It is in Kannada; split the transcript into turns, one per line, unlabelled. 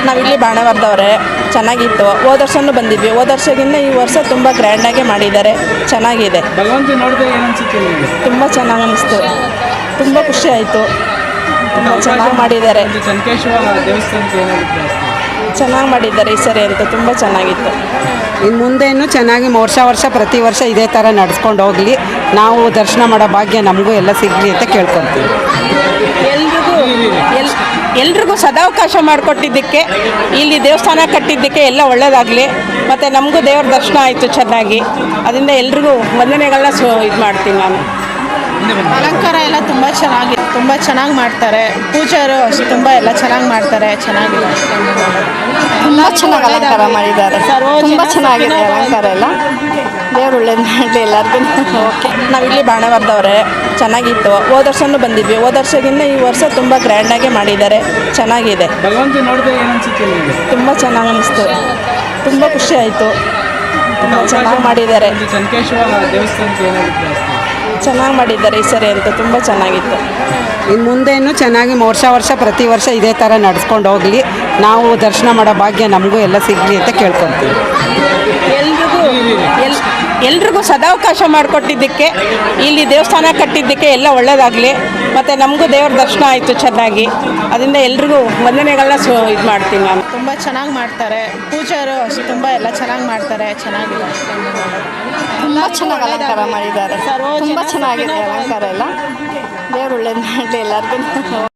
ನಾವಿಲ್ಲಿ ಬಾಣವರದವ್ರೆ. ಚೆನ್ನಾಗಿತ್ತು. ಹೋದ ವರ್ಷನೂ ಬಂದಿದ್ವಿ. ಹೋದ ವರ್ಷಕ್ಕಿಂತ ಈ ವರ್ಷ ತುಂಬ ಗ್ರ್ಯಾಂಡಾಗೆ ಮಾಡಿದ್ದಾರೆ. ಚೆನ್ನಾಗಿದೆ.
ಭಗವಂತ ನೋಡಿದ್ರೆ ಏನು ಅನ್ಸುತ್ತೆ ನಿಮಗೆ?
ತುಂಬ ಚೆನ್ನಾಗಿ ಅನ್ನಿಸ್ತು. ತುಂಬ ಖುಷಿ ಆಯಿತು. ತುಂಬ ಚೆನ್ನಾಗಿ ಮಾಡಿದ್ದಾರೆ.
ಚನ್ಕೇಶ್ವರ ದೇವಸ್ಥಾನಕ್ಕೆ ಏನಾಗುತ್ತೆ?
ಚೆನ್ನಾಗಿ ಮಾಡಿದ್ದಾರೆ ಈ ಸರಿ ಅಂತ. ತುಂಬ ಚೆನ್ನಾಗಿತ್ತು.
ಇನ್ನು ಮುಂದೆ ಚೆನ್ನಾಗಿ ವರ್ಷ ಪ್ರತಿ ವರ್ಷ ಇದೇ ಥರ ನಡೆಸ್ಕೊಂಡು ಹೋಗಲಿ. ನಾವು ದರ್ಶನ ಮಾಡೋ ಭಾಗ್ಯ ನಮಗೂ ಎಲ್ಲ ಸಿಗಲಿ ಅಂತ ಕೇಳ್ಕೊತೀವಿ.
ಎಲ್ರಿಗೂ ಸದಾವಕಾಶ ಮಾಡಿಕೊಟ್ಟಿದ್ದಕ್ಕೆ, ಇಲ್ಲಿ ದೇವಸ್ಥಾನ ಕಟ್ಟಿದ್ದಕ್ಕೆ ಎಲ್ಲ ಒಳ್ಳೆಯದಾಗಲಿ. ಮತ್ತು ನಮಗೂ ದೇವ್ರ ದರ್ಶನ ಆಯಿತು ಚೆನ್ನಾಗಿ. ಅದರಿಂದ ಎಲ್ರಿಗೂ ವಂದನೆಗಳನ್ನ ಇದು ಮಾಡ್ತೀನಿ ನಾನು.
ಅಲಂಕಾರ ಎಲ್ಲ ತುಂಬ ಚೆನ್ನಾಗಿ ಮಾಡ್ತಾರೆ. ಪೂಜಾರು ತುಂಬ ಎಲ್ಲ ಚೆನ್ನಾಗಿ ಮಾಡ್ತಾರೆ. ಚೆನ್ನಾಗಿದೆ.
ತುಂಬ ಚೆನ್ನಾಗಿ ಅಲಂಕಾರ ಮಾಡಿದ್ದಾರೆ. ತುಂಬ ಚೆನ್ನಾಗಿದೆ ಅಲಂಕಾರ ಎಲ್ಲ. ದೇವ್ರು ಒಳ್ಳೇದು ಮಾಡಲಿ ಎಲ್ಲರಿಗೂ. ಓಕೆ. ನಾವಿಲ್ಲಿ ಬಾಣವರದವ್ರೆ. ಚೆನ್ನಾಗಿತ್ತು. ಹೋದ ವರ್ಷನೂ ಬಂದಿದ್ವಿ. ಹೋದ ವರ್ಷಕ್ಕಿಂತ ಈ ವರ್ಷ ತುಂಬ ಗ್ರ್ಯಾಂಡಾಗೆ ಮಾಡಿದ್ದಾರೆ. ಚೆನ್ನಾಗಿದೆ.
ಭಗವಂತ ನೋಡಿದ್ರೆ ಏನು ಅನ್ಸುತ್ತೆ ನಿಮಗೆ?
ತುಂಬ ಚೆನ್ನಾಗಿ ಅನ್ನಿಸ್ತು. ತುಂಬ ಖುಷಿ ಆಯಿತು. ತುಂಬ ಚೆನ್ನಾಗಿ ಮಾಡಿದ್ದಾರೆ.
ಚನ್ಕೇಶ್ವರ ದೇವಸ್ಥಾನಕ್ಕೆ ಏನಾಗುತ್ತೆ?
ಚೆನ್ನಾಗಿ ಮಾಡಿದ್ದಾರೆ ಈ ಸರಿ ಅಂತ. ತುಂಬ ಚೆನ್ನಾಗಿತ್ತು.
ಇನ್ನು ಮುಂದೆ ಚೆನ್ನಾಗಿ ವರ್ಷ ಪ್ರತಿ ವರ್ಷ ಇದೇ ಥರ ನಡೆಸ್ಕೊಂಡು ಹೋಗಲಿ. ನಾವು ದರ್ಶನ ಮಾಡೋ ಭಾಗ್ಯ ನಮಗೂ ಎಲ್ಲ ಸಿಗಲಿ ಅಂತ ಕೇಳ್ಕೊತೀವಿ.
ಎಲ್ರಿಗೂ ಸದಾವಕಾಶ ಮಾಡಿಕೊಟ್ಟಿದ್ದಕ್ಕೆ, ಇಲ್ಲಿ ದೇವಸ್ಥಾನ ಕಟ್ಟಿದ್ದಕ್ಕೆ ಎಲ್ಲ ಒಳ್ಳೆಯದಾಗಲಿ. ಮತ್ತು ನಮಗೂ ದೇವ್ರ ದರ್ಶನ ಆಯಿತು ಚೆನ್ನಾಗಿ. ಅದರಿಂದ ಎಲ್ರಿಗೂ ವಂದನೆಗಳನ್ನ ಇದು ಮಾಡ್ತೀನಿ ನಾನು.
ತುಂಬ ಚೆನ್ನಾಗಿ ಮಾಡ್ತಾರೆ. ಪೂಜಾರು ತುಂಬ ಎಲ್ಲ ಚೆನ್ನಾಗಿ ಮಾಡ್ತಾರೆ. ಚೆನ್ನಾಗಿದೆ.
ತುಂಬ ಚೆನ್ನಾಗಿ ಅಲಂಕಾರ ಮಾಡಿದ್ದಾರೆ. ತುಂಬ ಚೆನ್ನಾಗಿದೆ ಅಲಂಕಾರ ಎಲ್ಲ. ದೇವ್ರು ಒಳ್ಳೇದು ಮಾಡಲಿ ಎಲ್ಲರಿಗೂ.